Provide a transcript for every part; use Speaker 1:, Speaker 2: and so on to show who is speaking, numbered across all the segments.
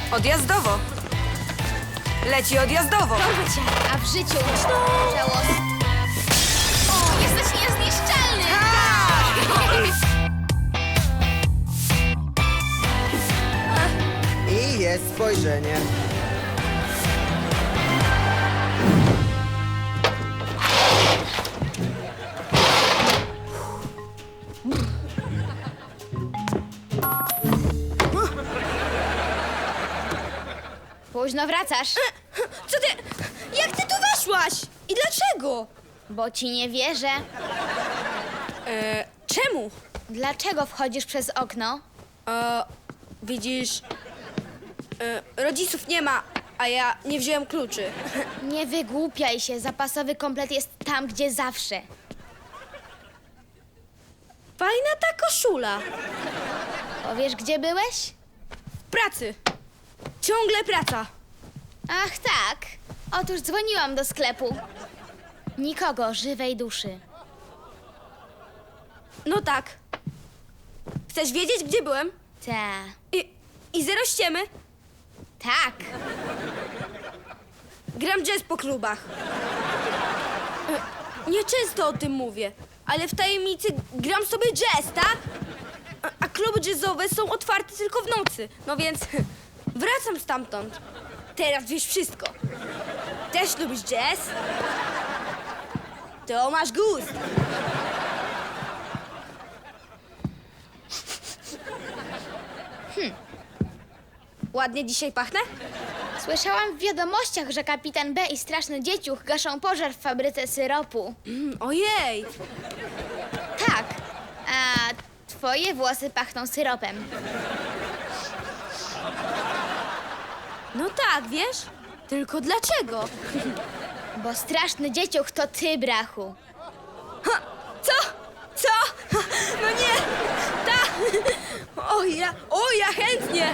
Speaker 1: Odjazdowo. Leci odjazdowo.
Speaker 2: Dorwę cię, a w życiu żałosny. Jesteś niezniszczalny!
Speaker 3: I jest spojrzenie.
Speaker 2: Późno wracasz,
Speaker 4: Co ty? Jak ty tu weszłaś? I dlaczego?
Speaker 2: bo ci nie wierzę.
Speaker 4: Czemu?
Speaker 2: Dlaczego wchodzisz przez okno?
Speaker 4: Widzisz, rodziców nie ma, a ja nie wziąłem kluczy.
Speaker 2: Nie wygłupiaj się, zapasowy komplet jest tam, gdzie zawsze.
Speaker 4: Fajna ta koszula.
Speaker 2: Powiesz, gdzie byłeś?
Speaker 4: W pracy. Ciągle praca.
Speaker 2: Ach tak, otóż dzwoniłam do sklepu. Nikogo, żywej duszy.
Speaker 4: No tak. Chcesz wiedzieć, gdzie byłem?
Speaker 2: Ta,
Speaker 4: I zero ściemy.
Speaker 2: tak.
Speaker 4: Gram jazz po klubach. Nieczęsto o tym mówię, ale w tajemnicy gram sobie jazz, tak? A kluby jazzowe są otwarte tylko w nocy. No więc wracam stamtąd. Teraz wiesz wszystko. Też lubisz jazz? To masz gust. Ładnie dzisiaj pachnę?
Speaker 2: Słyszałam w wiadomościach, że kapitan B i straszny dzieciuch gaszą pożar w fabryce syropu.
Speaker 4: Ojej!
Speaker 2: Tak, a twoje włosy pachną syropem.
Speaker 4: No tak, wiesz? Tylko dlaczego?
Speaker 2: Bo straszny dzieciuch to ty, brachu.
Speaker 4: Co? Co? No nie! Ta! O ja chętnie!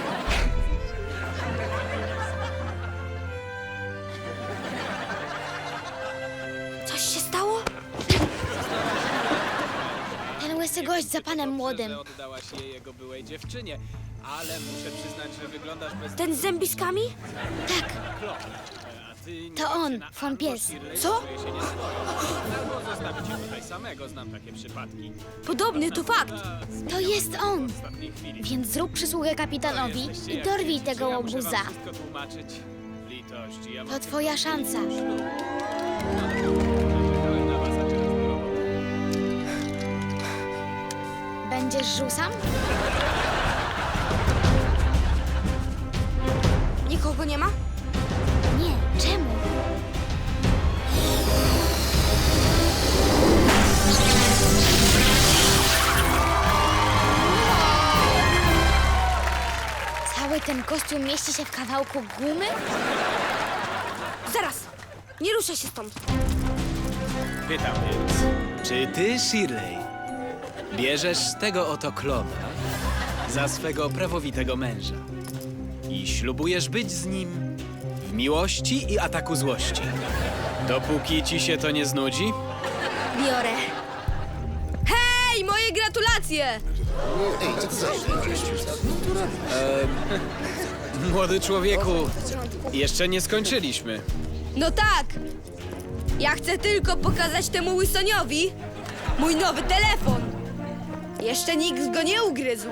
Speaker 4: Coś się stało?
Speaker 2: Ten łysy gość za panem młodym.
Speaker 5: Że oddałaś je jego byłej dziewczynie, ale muszę przyznać, że wyglądasz bez...
Speaker 4: Ten z zębiskami?
Speaker 2: Tak,
Speaker 5: A ty nie
Speaker 2: to on,
Speaker 5: dziewczyna,
Speaker 2: von
Speaker 5: albo
Speaker 2: Pies.
Speaker 5: Shirley
Speaker 4: Co?
Speaker 5: czuje się nieswojo. Albo zostawić cię tutaj samego, znam takie przypadki.
Speaker 4: Podobny, to fakt.
Speaker 2: to jest on.
Speaker 5: W ostatniej chwili.
Speaker 2: Więc zrób przysługę kapitanowi
Speaker 5: Jesteście
Speaker 2: i
Speaker 5: jak
Speaker 2: dorwij
Speaker 5: widzicie,
Speaker 2: tego
Speaker 5: ja muszę wam
Speaker 2: łobuza.
Speaker 5: wszystko tłumaczyć. Litość, ja
Speaker 2: To twoja szansa.
Speaker 5: czekałem na was, a teraz drogą.
Speaker 2: Będziesz żył sam?
Speaker 4: Nikogo nie ma?
Speaker 2: Nie, czemu? Cały ten kostium mieści się w kawałku gumy?
Speaker 4: Zaraz! Nie ruszaj się stąd.
Speaker 5: Pytam więc, czy ty, Shirley, bierzesz tego oto klona za swego prawowitego męża i ślubujesz być z nim w miłości i ataku złości, dopóki ci się to nie znudzi?
Speaker 4: Biorę. Hej, moje gratulacje!
Speaker 5: Młody człowieku, jeszcze nie skończyliśmy.
Speaker 4: No tak! Ja chcę tylko pokazać temu Wilsoniowi mój nowy telefon. Jeszcze nikt go nie ugryzł.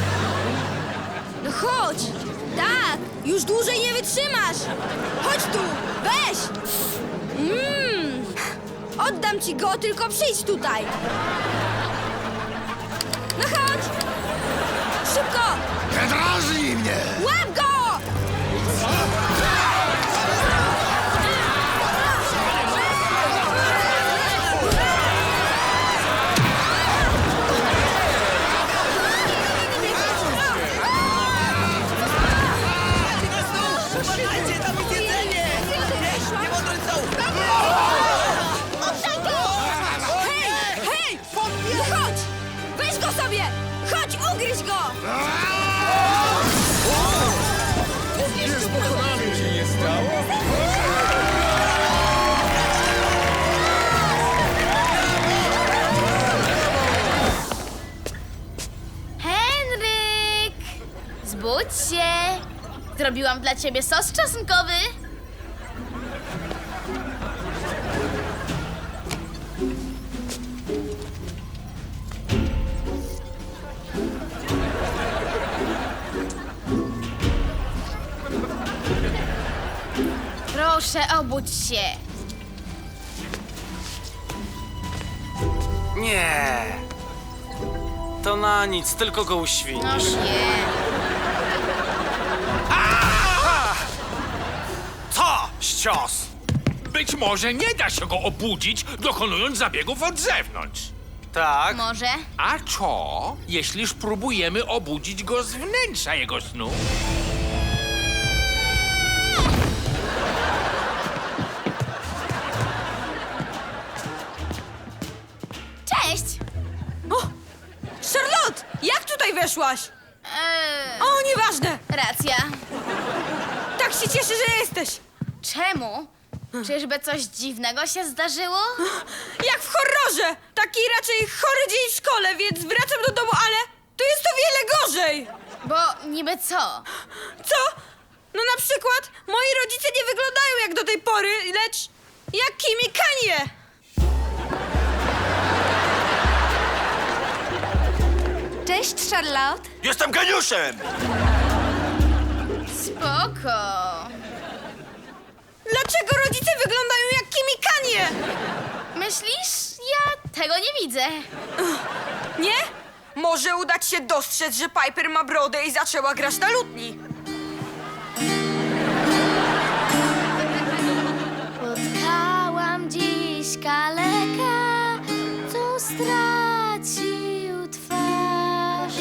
Speaker 4: No chodź! Tak! Już dłużej nie wytrzymasz! Chodź tu! Weź! Oddam ci go, tylko przyjdź tutaj! No chodź! Szybko!
Speaker 6: Nie drażnij mnie!
Speaker 4: Łap go! Hej! Hej! No chodź! Weź go sobie! Chodź, ugryź go!
Speaker 2: Henryk! Zbudź się! Zrobiłam dla ciebie sos czosnkowy. Proszę, obudź się.
Speaker 3: Nie. To na nic, tylko go
Speaker 2: No
Speaker 3: uświnisz.
Speaker 2: nie.
Speaker 7: Co? Ścios! Być może nie da się go obudzić, dokonując zabiegów od zewnątrz.
Speaker 3: Tak?
Speaker 2: Może?
Speaker 7: A co, jeśli spróbujemy obudzić go z wnętrza jego snu?
Speaker 2: Cześć!
Speaker 1: Charlotte, jak tutaj weszłaś? O, nieważne.
Speaker 2: Racja.
Speaker 1: Tak się cieszę, że jesteś.
Speaker 2: Czemu? Czyżby coś dziwnego się zdarzyło?
Speaker 1: Jak w horrorze. Taki raczej chory dzień w szkole, więc wracam do domu, ale tu jest o wiele gorzej.
Speaker 2: Bo niby co?
Speaker 1: Co? No na przykład moi rodzice nie wyglądają jak do tej pory, lecz jak Kim i Kanye.
Speaker 4: Cześć, Charlotte.
Speaker 6: Jestem geniuszem!
Speaker 2: Spoko.
Speaker 1: Dlaczego rodzice wyglądają jak Kim i Kanye?
Speaker 2: Myślisz? Ja tego nie widzę.
Speaker 1: Nie? Może udać się dostrzec, że Piper ma brodę i zaczęła grać na lutni.
Speaker 2: Spotkałam dziś kaleka, co stracił twarz.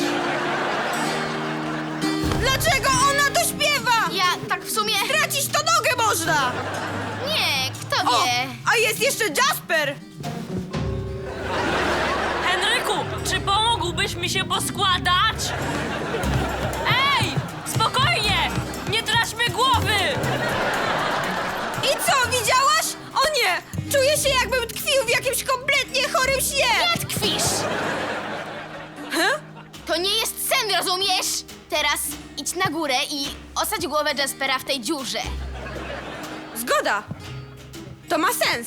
Speaker 1: Dlaczego ona to śpiewa?
Speaker 2: Ja tak w sumie...
Speaker 1: Tracić to nogę można!
Speaker 2: Nie, kto
Speaker 1: O,
Speaker 2: wie?
Speaker 1: a jest jeszcze Jasper!
Speaker 8: Henryku, czy pomógłbyś mi się poskładać? Ej, spokojnie! Nie traćmy głowy!
Speaker 1: I co, widziałaś? O nie! Czuję się, jakbym tkwił w jakimś kompletnie chorym śnie!
Speaker 2: Nie tkwisz! To nie jest sen, rozumiesz? Teraz idź na górę i osadź głowę Jaspera w tej dziurze.
Speaker 1: Zgoda! To ma sens!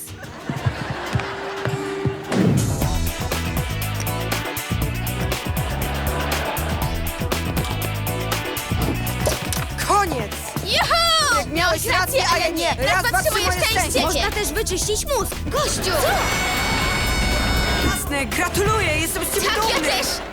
Speaker 1: Koniec!
Speaker 2: Juhu!
Speaker 1: Miałeś rację, a ja nie.
Speaker 2: Raz potrzebujesz szczęście!
Speaker 4: Można też wyczyścić mózg.
Speaker 2: Gościu!
Speaker 1: Jasne, gratuluję, jestem z ciebie
Speaker 2: Tak, ja
Speaker 1: dumny!
Speaker 2: też!